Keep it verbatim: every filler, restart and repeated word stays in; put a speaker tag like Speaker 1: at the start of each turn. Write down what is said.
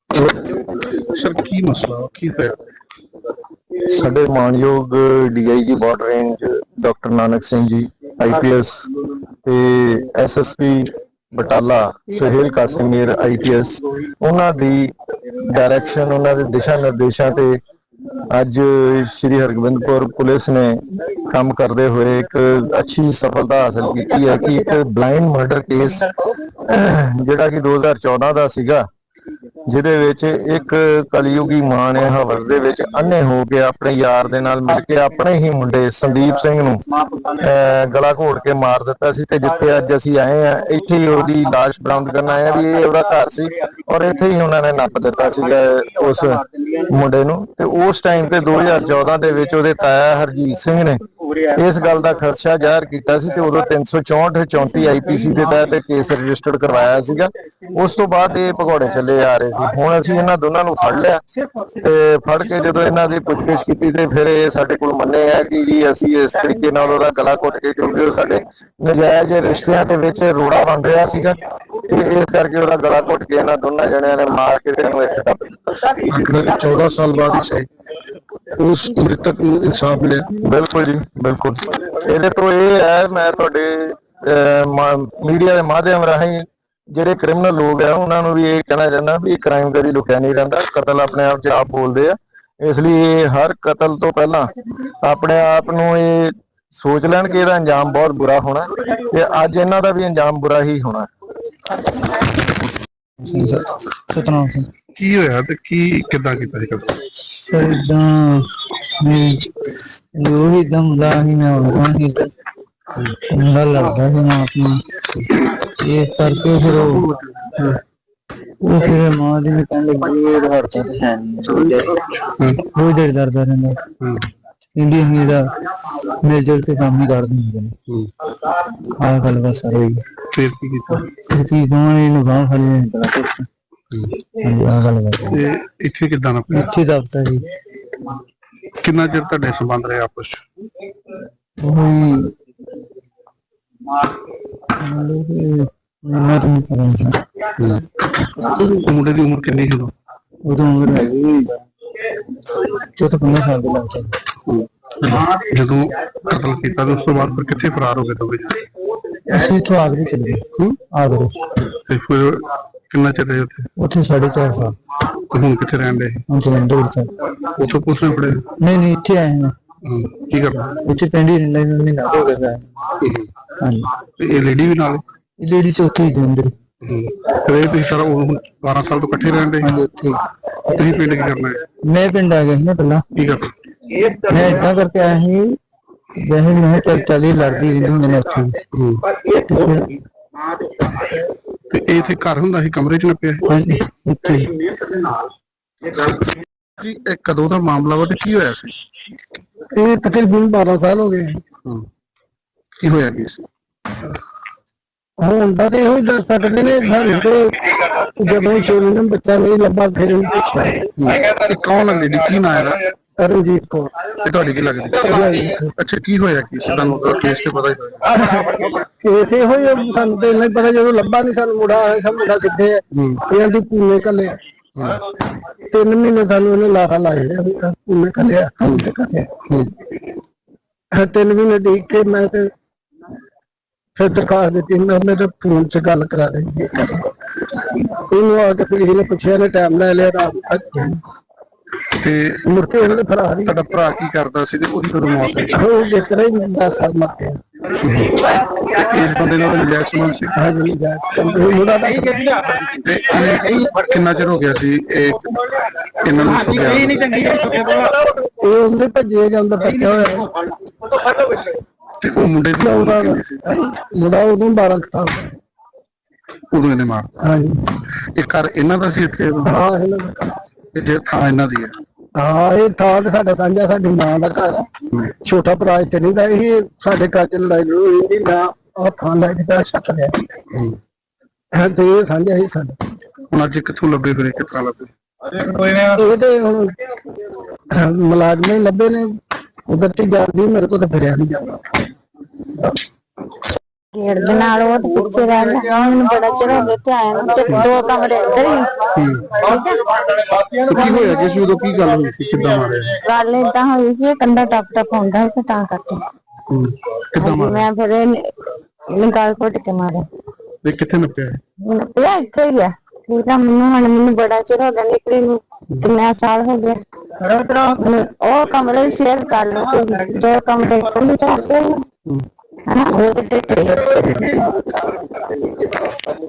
Speaker 1: Sir ਕੀ ਮਸਲਾ ਕੀ ਹੋਇਆ?
Speaker 2: ਸਾਡੇ ਮਾਨਯੋਗ D I G border range doctor Nanak Singh ji I P S ਤੇ S S P Batala Suhail Kasimir I P S ਉਹਨਾਂ ਦੀ ਡਾਇਰੈਕਸ਼ਨ, ਉਹਨਾਂ ਦੇ ਦਿਸ਼ਾ ਨਿਰਦੇਸ਼ਾਂ ਤੇ ਅੱਜ ਸ਼੍ਰੀ ਹਰਗੋਬਿੰਦਪੁਰ ਪੁਲਿਸ ਨੇ ਕੰਮ ਕਰਦੇ ਹੋਏ ਇੱਕ ਅੱਛੀ ਸਫਲਤਾ ਹਾਸਲ ਕੀਤੀ ਹੈ ਕਿ ਇੱਕ ਬਲਾਈਂਡ ਮਰਡਰ ਕੇਸ ਜਿਹੜਾ ਕਿ ਦੋ ਹਜ਼ਾਰ ਚੌਦਾਂ ਦਾ ਸੀਗਾ, ਜਿਹਦੇ ਵਿੱਚ ਇੱਕ ਕਲਯੁਗੀ ਮਾਂ ਨੇ ਹਵਸ ਦੇ ਵਿੱਚ ਅੰਨੇ ਹੋ ਕੇ ਆਪਣੇ ਯਾਰ ਦੇ ਨਾਲ ਮਿਲ ਕੇ ਆਪਣੇ ਹੀ ਮੁੰਡੇ ਸੰਦੀਪ ਸਿੰਘ ਨੂੰ ਗਲਾ ਘੋਟ ਕੇ ਮਾਰ ਦਿੱਤਾ ਸੀ। ਤੇ ਜਿੱਥੇ ਅੱਜ ਅਸੀਂ ਆਏ ਆ, ਇੱਥੇ ਹੀ ਉਹਦੀ ਲਾਸ਼ ਬਰਾਮਦ ਕਰਨ ਆਏ ਆ ਵੀ ਇਹ ਉਹਦਾ ਘਰ ਸੀ ਔਰ ਇੱਥੇ ਹੀ ਉਹਨਾਂ ਨੇ ਨੱਪ ਦਿੱਤਾ ਸੀਗਾ ਉਸ ਮੁੰਡੇ ਨੂੰ। ਤੇ ਉਸ ਟਾਈਮ ਤੇ ਦੋ ਹਜ਼ਾਰ ਚੌਦਾਂ ਦੇ ਵਿੱਚ ਉਹਦੇ ਤਾਇਆ ਹਰਜੀਤ ਸਿੰਘ ਨੇ ਇਸ ਗੱਲ ਦਾ ਖਦਸ਼ਾ ਜ਼ਾਹਰ ਕੀਤਾ ਸੀ ਤੇ ਉਦੋਂ ਤਿੰਨ ਸੌ ਚੌਂਹਠ ਚੌਂਤੀ ਆਈ ਪੀ ਸੀ ਦੇ ਤਹਿਤ ਕੇਸ ਰਜਿਸਟਰਡ ਕਰਵਾਇਆ ਸੀਗਾ। ਉਸ ਤੋਂ ਬਾਅਦ ਇਹ ਭਗੌੜੇ ਚੱਲੇ ਆ ਰਹੇ ਸੀ। ਹੁਣ ਅਸੀਂ ਇਹਨਾਂ ਦੋਨਾਂ ਨੂੰ ਫੜ ਲਿਆ ਤੇ ਫੜ ਕੇ ਜਦੋਂ ਇਹਨਾਂ ਦੀ ਪੁੱਛਗਿੱਛ ਕੀਤੀ ਤੇ ਫਿਰ ਇਹ ਸਾਡੇ ਕੋਲ ਮੰਨੇ ਆ ਕਿ ਜੀ ਅਸੀਂ ਇਸ ਤਰੀਕੇ ਨਾਲ ਉਹਦਾ ਗਲਾ ਘੁੱਟ ਕੇ, ਕਿਉਂਕਿ ਉਹ ਸਾਡੇ ਨਜਾਇਜ਼ ਰਿਸ਼ਤਿਆਂ ਦੇ ਵਿੱਚ ਰੋੜਾ ਬਣ ਰਿਹਾ ਸੀਗਾ ਤੇ ਇਸ ਕਰਕੇ ਉਹਦਾ ਗਲਾ ਘੁੱਟ ਕੇ ਇਹਨਾਂ ਦੋਨਾਂ ਜਣਿਆਂ ਨੇ ਮਾਰ ਕੇ ਤੇ ਇਹਨੂੰ ਇੱਥੇ ਦੱਬ ਦਿੱਤਾ।
Speaker 1: ਚੌਦਾਂ ਸਾਲ ਬਾਅਦ ਸੀ ਉਸ ਮ੍ਰਿਤਕ ਨੂੰ ਇਨਸਾਫ ਮਿਲਿਆ?
Speaker 2: ਬਿਲਕੁਲ ਜੀ, ਬਿਲਕੁਲ। ਇਹਦੇ ਤੋਂ ਇਹ ਹੈ, ਮੈਂ ਤੁਹਾਡੇ ਮੀਡੀਆ ਦੇ ਮਾਧਿਅਮ ਰਾਹੀਂ ਜਿਹੜੇ ਕ੍ਰਿਮੀਨਲ ਲੋਕ ਆ ਉਹਨਾਂ ਨੂੰ ਵੀ ਇਹ ਕਹਿਣਾ ਚਾਹੁੰਦਾ ਵੀ ਕ੍ਰਾਈਮ ਕਦੀ ਲੁਕਿਆ ਨਹੀਂ ਰਹਿੰਦਾ, ਕਤਲ ਆਪਣੇ ਆਪ 'ਚ ਆਪ ਬੋਲਦੇ ਆ। ਇਸ ਲਈ ਇਹ ਹਰ ਕਤਲ ਤੋਂ ਪਹਿਲਾਂ ਆਪਣੇ ਆਪ ਨੂੰ ਇਹ ਸੋਚ ਲੈਣ ਕਿ ਇਹਦਾ ਅੰਜਾਮ ਬਹੁਤ ਬੁਰਾ ਹੋਣਾ ਤੇ ਅੱਜ ਇਹਨਾਂ ਦਾ ਵੀ ਅੰਜਾਮ ਬੁਰਾ ਹੀ ਹੋਣਾ।
Speaker 3: ਸਤਨਾਮ ਸਿੰਘ।
Speaker 1: ਕੀ ਹੋਇਆ ਤੇ ਕੀ ਕਿੱਦਾਂ ਕੀਤਾ ਸੀ ਕਤਲ?
Speaker 3: ਸਰ ਇਦਾਂ ਜੋ ਵੀ ਇਦਾਂ ਹੁੰਦਾ ਸੀ, ਮੈਂ ਉਹਨਾਂ ਨੂੰ ਮੁੰਡਾ ਲੜਦਾ ਸੀ ਮਾਂ ਆਪਣੀ, ਇਸ ਕਰਕੇ ਫਿਰ ਉਹ ਉਹ ਫਿਰ ਮਾਂ ਦੀ ਨੇ ਕਹਿਣ ਲੱਗੀ ਇਹ ਹੜਤਾ ਤੇ ਹੈ ਨਹੀਂ, ਬਹੁਤ ਦੇਰ ਦਰਦਾ ਰਹਿੰਦਾ ਕਹਿੰਦੀ ਅਸੀਂ ਇਹਦਾ ਮਿਲ ਜੁਲ ਕੇ ਕੰਮ ਹੀ ਕਰਦੇ ਹੁੰਦੇ ਨੇ। ਆਹ ਗੱਲ ਬਸ ਸਰ ਹੋਈ।
Speaker 1: ਫਿਰ ਕੀ ਕੀਤਾ?
Speaker 3: ਕੀ ਦੋਵਾਂ ਨੇ ਇਹਨੂੰ ਬਾਂਹ ਫੜੀ ਨਹੀਂ ਪਤਾ ਕੁਛ। ਆਹ ਗੱਲ ਬਸ।
Speaker 1: ਤੇ ਇੱਥੇ ਕਿੱਦਾਂ ਨਾ ਪਿਆ?
Speaker 3: ਇੱਥੇ ਦਫਤਰ ਜੀ।
Speaker 1: ਕਿੰਨਾ ਚਿਰ ਤੁਹਾਡੇ ਸੰਬੰਧ ਰਹੇ ਆਪਸ ਚ?
Speaker 3: ਉਹੀ ਮੈਂ ਤਾਂ ਕਰਾਂ।
Speaker 1: ਮੁੰਡੇ ਦੀ ਉਮਰ ਕਿੰਨੀ ਸੀ ਉਦੋਂ?
Speaker 3: ਉਦੋਂ ਉਮਰ ਹੈਗੀ ਚੌਦਾਂ ਪੰਦਰਾਂ ਸਾਲ ਦੇ ਲੱਗ ਜਾਂਦੇ।
Speaker 1: ਜਦੋਂ ਕਤਲ ਕੀਤਾ ਤੇ ਉਸ ਤੋਂ ਬਾਅਦ ਫਿਰ ਕਿੱਥੇ ਫਰਾਰ ਹੋ ਗਏ ਦੋਵੇਂ?
Speaker 3: ਅਸੀਂ ਇੱਥੋਂ ਆਗਰੇ ਚਲੇ ਗਏ। ਆਗਰੇ।
Speaker 1: ਤੇ ਫਿਰ ਕਿੰਨਾ ਚਿਰ ਰਹੇ ਉੱਥੇ?
Speaker 3: ਉੱਥੇ ਸਾਢੇ ਚਾਰ ਸਾਲ।
Speaker 1: ਤੇ ਹੁਣ ਕਿੱਥੇ ਰਹਿਣ ਦੇ?
Speaker 3: ਹੁਣ ਜਲੰਧਰ ਵਿੱਚ।
Speaker 1: ਉੱਥੋਂ ਪੁਲਿਸ ਨੇ ਫੜੇ?
Speaker 3: ਨਹੀਂ ਨਹੀਂ, ਇੱਥੇ ਆਏ ਹਾਂ।
Speaker 1: ਕੀ ਕਰਨਾ?
Speaker 3: ਇੱਥੇ ਪਿੰਡ ਹੀ ਰਹਿੰਦਾ ਮੈਨੂੰ ਮਹੀਨਾ ਹੋ ਗਿਆ। ਹਾਂਜੀ।
Speaker 1: ਤੇ ਇਹ ਲੇਡੀ ਵੀ ਨਾਲ?
Speaker 3: ਇਹ ਲੇਡੀ ਚ ਉੱਥੇ ਹੀ ਜਲੰਧਰ।
Speaker 1: ਫਿਰ ਇਹ ਤੁਸੀਂ ਸਾਰਾ ਹੁਣ ਬਾਰਾਂ ਸਾਲ ਤੋਂ ਇਕੱਠੇ ਰਹਿਣ ਦੇ?
Speaker 3: ਹਾਂਜੀ ਉੱਥੇ।
Speaker 1: ਤੁਸੀਂ ਪਿੰਡ ਕੀ ਕਰਨਾ ਹੈ?
Speaker 3: ਮੈਂ ਪਿੰਡ ਆ ਗਿਆ ਸੀ ਨਾ ਪਹਿਲਾਂ।
Speaker 1: ਕੀ ਕਰਨਾ?
Speaker 3: ਮੈਂ ਏਦਾਂ ਕਰਕੇ ਆਇਆ ਸੀ, ਵੈਸੇ ਮੈਂ ਚੱਲ ਚੱਲ ਹੀ ਲੜਦੀ ਰਹਿੰਦੀ ਹੁੰਦੀ ਨੇ ਉੱਥੇ।
Speaker 1: ਤੇ ਇਹ ਇੱਥੇ ਘਰ ਹੁੰਦਾ ਸੀ, ਕਮਰੇ ਚ ਨੱਪਿਆ?
Speaker 3: ਹਾਂਜੀ ਇੱਥੇ।
Speaker 1: ਇਹ ਕਦੋਂ ਦਾ ਮਾਮਲਾ ਵਾ ਤੇ ਕੀ ਹੋਇਆ ਸੀ?
Speaker 3: ਇਹ ਤਕਰੀਬਨ ਬਾਰਾਂ ਸਾਲ ਹੋ ਗਏ।
Speaker 1: ਕੀ ਹੋਇਆ ਕੀ ਸੀ?
Speaker 3: ਹੁਣ ਤਾਂ ਤੇ ਇਹੋ ਹੀ ਦੱਸ ਸਕਦੇ ਨੇ ਸਾਨੂੰ ਤੇ ਜਦੋਂ ਸ਼ੋਰੂ ਨੂੰ ਬੱਚਾ ਨਹੀਂ ਲੱਭਾ ਫਿਰ ਉਹਨੂੰ ਪੁੱਛਿਆ।
Speaker 1: ਕੌਣ ਹੈ ਲੇਡੀ? ਕੀ ਨਾਂ ਹੈ?
Speaker 3: ਰਣਜੀਤ ਕੌਰ।
Speaker 1: ਤੇ ਤੁਹਾਡੀ ਕੀ ਲੱਗਦੀ? ਅੱਛਾ, ਕੀ ਹੋਇਆ ਕੀ ਸੀ? ਤੁਹਾਨੂੰ ਕੇਸ ਤੇ ਪਤਾ ਹੀ ਹੋਇਆ?
Speaker 3: ਕੇਸ ਇਹੋ ਹੀ ਸਾਨੂੰ ਤੇ ਇੰਨਾ ਹੀ ਪਤਾ, ਜਦੋਂ ਲੱਭਾ ਨਹੀਂ ਸਾਨੂੰ ਮੁੰਡਾ ਆਇਆ, ਮੁੰਡਾ ਕਿੱਥੇ ਹੈ ਇਹਨਾਂ ਦੀ ਪੂਨੇ ਕੱਲੇ। ਤਿੰਨ ਮਹੀਨੇ ਸਾਨੂੰ ਉਹਨੇ ਲਾਹਾ ਲਾਇਆ ਪੂਨੇ ਕੱਲਿਆ ਕੰਮ ਤੇ ਕੱਲਿਆ। ਤਿੰਨ ਮਹੀਨੇ ਦੇਖ ਕੇ ਮੈਂ ਤੇ ਫਿਰ ਦਰਖਾਸਤ ਦਿੱਤੀ, ਮੈਂ ਮੇਰੇ ਫੋਨ ਚ ਗੱਲ ਕਰਾ ਰਹੀ ਉਹਨੂੰ ਆ ਕੇ ਫਿਰ ਇਹਨੇ ਪੁੱਛਿਆ, ਨੇ ਟਾਈਮ ਲੈ ਲਿਆ ਰਾਤ ਤੱਕ
Speaker 1: ਤੇ
Speaker 3: ਮੁੜ ਕੇ ਉਹਨਾਂ ਦੇ ਫਰਾਰ ਹੀ।
Speaker 1: ਤੁਹਾਡਾ ਭਰਾ ਕੀ ਕਰਦਾ ਸੀ ਤੇ ਉਹਦੀ ਕਦੋਂ ਮੌਤ ਹੋਈ?
Speaker 3: ਉਹ ਜਿਸ ਤਰ੍ਹਾਂ ਹੀ ਦਸ ਸਾਲ ਮਰ ਗਿਆ।
Speaker 1: ਇਸ ਬੰਦੇ ਨਾਲ ਮਿਲਿਆ ਸੰਬੰਧ ਸੀ?
Speaker 3: ਹਾਂਜੀ ਮੁੰਡਾ ਦਾ।
Speaker 1: ਤੇ ਇਹ ਕਿੰਨਾ ਚਿਰ ਹੋ ਗਿਆ ਸੀ ਇਹ ਇਹਨਾਂ ਨੂੰ?
Speaker 3: ਇਹ ਉਹਦੇ ਭੱਜੇ ਜਾਂਦਾ ਬੱਚਾ ਹੋਇਆ
Speaker 1: ਤੇ ਉਹ ਮੁੰਡੇ ਦੀ ਉਮਰ ਕਿੰਨੀ ਸੀ?
Speaker 3: ਮੁੰਡਾ ਉਦੋਂ ਬਾਰਾਂ ਸਾਲ ਦਾ।
Speaker 1: ਉਦੋਂ ਇਹਨੇ ਮਾਰਤਾ?
Speaker 3: ਹਾਂਜੀ।
Speaker 1: ਇਹ ਘਰ ਇਹਨਾਂ ਦਾ ਸੀ ਇੱਥੇ?
Speaker 3: ਹਾਂ ਇਹਨਾਂ ਦਾ।
Speaker 1: ਤੇ ਜੇ ਥਾਂ ਇਹਨਾਂ ਦੀ ਹੈ?
Speaker 3: ਹਾਂ ਇਹ ਥਾਂ ਤੇ ਸਾਡਾ ਸਾਂਝਾ, ਸਾਡੀ ਮਾਂ ਦਾ ਘਰ। ਛੋਟਾ ਭਰਾ ਇੱਥੇ ਨਹੀਂ ਦਾ, ਇਹ ਸਾਡੇ ਘਰ ਚ ਲੜਾਈ ਹੋਈ ਨਾ, ਆਹ ਥਾਂ ਲੈ ਕੇ ਛੱਕ ਲਿਆ ਤੇ ਇਹ ਸਾਂਝਾ ਹੀ ਸਾਡਾ।
Speaker 1: ਹੁਣ ਅੱਜ ਕਿੱਥੋਂ ਲੱਭੇ ਫਿਰ? ਕਿਸ ਤਰ੍ਹਾਂ ਲੱਭੇ?
Speaker 3: ਇਹ ਤੇ ਹੁਣ ਮੁਲਾਜ਼ਮ ਹੀ ਲੱਭੇ ਨੇ, ਉਧਰ ਤੇ ਜਾਂਦੀ ਮੇਰੇ ਕੋਲ ਤਾਂ ਫਿਰਿਆ ਨਹੀਂ ਜਾਂਦਾ।
Speaker 4: ਗੇਟ ਦੇ ਨਾਲ ਉਹ ਤੇ ਪਿੱਛੇ ਰਹਿ ਗਿਆ ਮੈਨੂੰ ਬੜਾ ਚਿਰ ਹੋ ਗਿਆ ਤੇ ਆਇਆ ਨੂੰ ਤੇ ਦੋ ਕਮਰੇ ਅੰਦਰ ਹੀ ਠੀਕ ਹੈ।
Speaker 1: ਤੇ ਕੀ ਹੋਇਆ ਕਿ ਸੀ ਉਦੋਂ ਕੀ ਗੱਲ ਹੋਈ ਸੀ ਕਿੱਦਾਂ ਮਾਰਿਆ
Speaker 4: ਗੱਲ ਏਦਾਂ ਹੋਈ ਕਿ ਇਹ ਕੰਧਾ ਟੱਪ ਟੱਪ ਹੁੰਦਾ ਸੀ ਤੇ ਤਾਂ ਕਰਕੇ
Speaker 1: ਹੂੰ, ਕਿੱਦਾਂ
Speaker 4: ਹਾਂਜੀ,
Speaker 1: ਮਾਰਿਆ
Speaker 4: ਮੈਂ ਫਿਰ ਇਹਨੇ ਇਹਨੇ ਗਾਲ ਘੁੱਟ ਕੇ ਮਾਰਿਆ।
Speaker 1: ਤੇ ਕਿੱਥੇ ਨੱਪਿਆ
Speaker 4: ਮੈਨੂੰ ਪਿਆ ਇੱਥੇ ਹੀ ਆ ਠੀਕ ਆ। ਮੈਨੂੰ ਹੁਣ ਮੈਨੂੰ ਬੜਾ ਚਿਰ ਹੋ ਗਿਆ ਨਿਕਲੀ ਨੂੰ ਕਿੰਨਾ ਸਾਲ ਹੋ ਗਿਆ। ਮੈਨੂੰ ਉਹ ਕਮਰੇ ਸ਼ੇਅਰ ਕਰ ਲਓ ਤੁਸੀਂ, ਦੋ ਕਮਰੇ ਖੁੱਲੇ ਕਰਦੇ ਹਾਂ ਉਹ ਤੇ